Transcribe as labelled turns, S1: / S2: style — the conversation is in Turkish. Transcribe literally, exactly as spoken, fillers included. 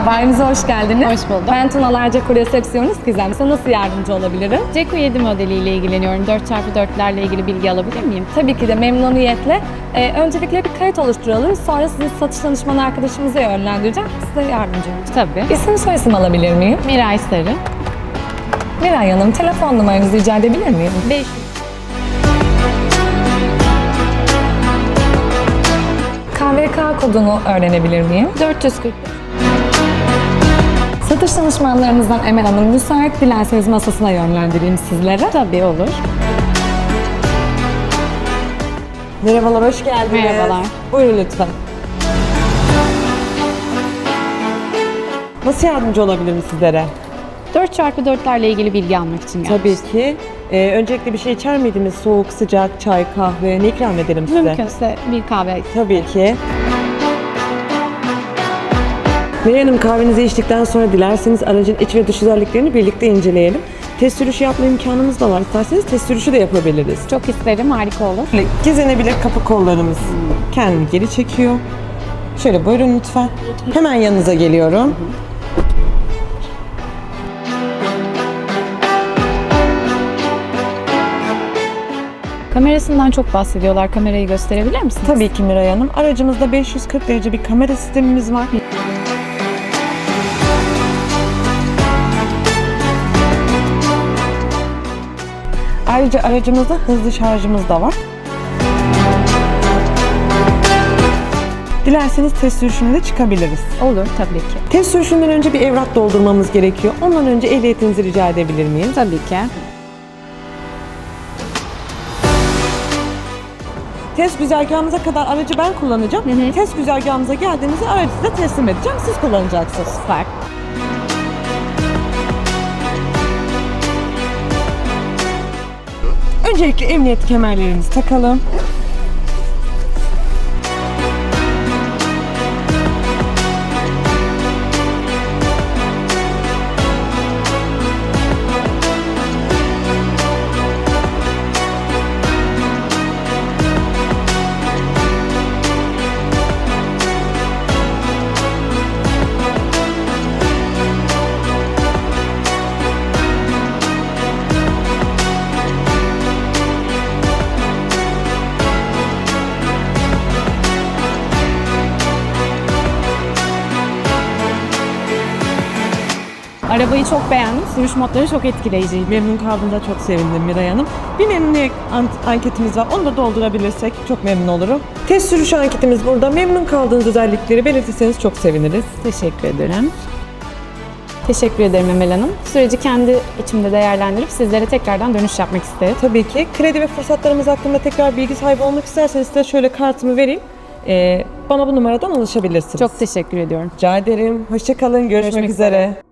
S1: Bayimize hoş geldiniz.
S2: Hoş bulduk.
S1: Ben Tunalar Ceko resepsiyonist Gizem. Size nasıl yardımcı olabilirim?
S2: Ceko yedi modeliyle ilgileniyorum. dört çarpı dörtlerle ilgili bilgi alabilir miyim?
S1: Tabii ki de memnuniyetle. Ee, öncelikle bir kayıt oluşturalım. Sonra sizi satış danışmanı arkadaşımıza yönlendireceğim. Size yardımcı olacağım.
S2: Tabii.
S1: İsim soyisim alabilir miyim?
S2: Miray Sarı.
S1: Miray Hanım, telefon numaranızı rica edebilir miyim?
S2: beş
S1: K V K kodunu öğrenebilir miyim?
S2: dört yüz kırk.
S1: Satış danışmanlarımızdan Emel Hanım müsait. Dilerseniz masasına yönlendireyim sizlere.
S2: Tabii olur.
S3: Merhabalar, hoş geldiniz.
S2: Merhabalar.
S3: Buyurun lütfen. Nasıl yardımcı olabilirim sizlere?
S2: dört çarpı dörtlerle ilgili bilgi almak için geldim.
S3: Tabii ki. Ee, öncelikle bir şey içer miydiniz? Soğuk, sıcak, çay, kahve ne ikram edelim size?
S2: Mümkünse bir kahve.
S3: Tabii ki. Miray Hanım, kahvenizi içtikten sonra dilerseniz aracın iç ve dış özelliklerini birlikte inceleyelim. Test sürüşü yapma imkanımız da var. İsterseniz test sürüşü de yapabiliriz.
S2: Çok isterim, harika olur.
S3: Böyle gezenebilir kapı kollarımız. Kendini geri çekiyor. Şöyle buyurun lütfen. Hemen yanınıza geliyorum.
S2: Kamerasından çok bahsediyorlar. Kamerayı gösterebilir misiniz?
S3: Tabii ki Miray Hanım. Aracımızda beş yüz kırk derece bir kamera sistemimiz var. Ayrıca aracımızda hızlı şarjımız da var. Dilerseniz test sürüşüne de çıkabiliriz.
S2: Olur, tabii ki.
S3: Test sürüşünden önce bir evrak doldurmamız gerekiyor. Ondan önce ehliyetinizi rica edebilir miyim?
S2: Tabii ki.
S3: Test güzergahımıza kadar aracı ben kullanacağım.
S2: Hı hı.
S3: Test güzergahımıza geldiğinizde aracı size teslim edeceğim. Siz kullanacaksınız.
S2: Süper.
S3: Öncelikle emniyet kemerlerimizi takalım.
S2: Arabayı çok beğendim. Sürüş modları çok etkileyiciydi.
S3: Memnun kaldığımda çok sevindim Miray Hanım. Bir memnuniyet an- anketimiz var. Onu da doldurabilirsek çok memnun olurum. Test sürüşü anketimiz burada. Memnun kaldığınız özellikleri belirtirseniz çok seviniriz.
S2: Teşekkür ederim. Teşekkür ederim Emel Hanım. Süreci kendi içimde değerlendirip sizlere tekrardan dönüş yapmak isterim.
S3: Tabii ki. Kredi ve fırsatlarımız hakkında tekrar bilgi sahibi olmak isterseniz size şöyle kartımı vereyim. Ee, bana bu numaradan ulaşabilirsiniz.
S2: Çok teşekkür ediyorum.
S3: rica ederim. Hoşça kalın. Görüşmek,
S2: Görüşmek
S3: üzere.
S2: üzere.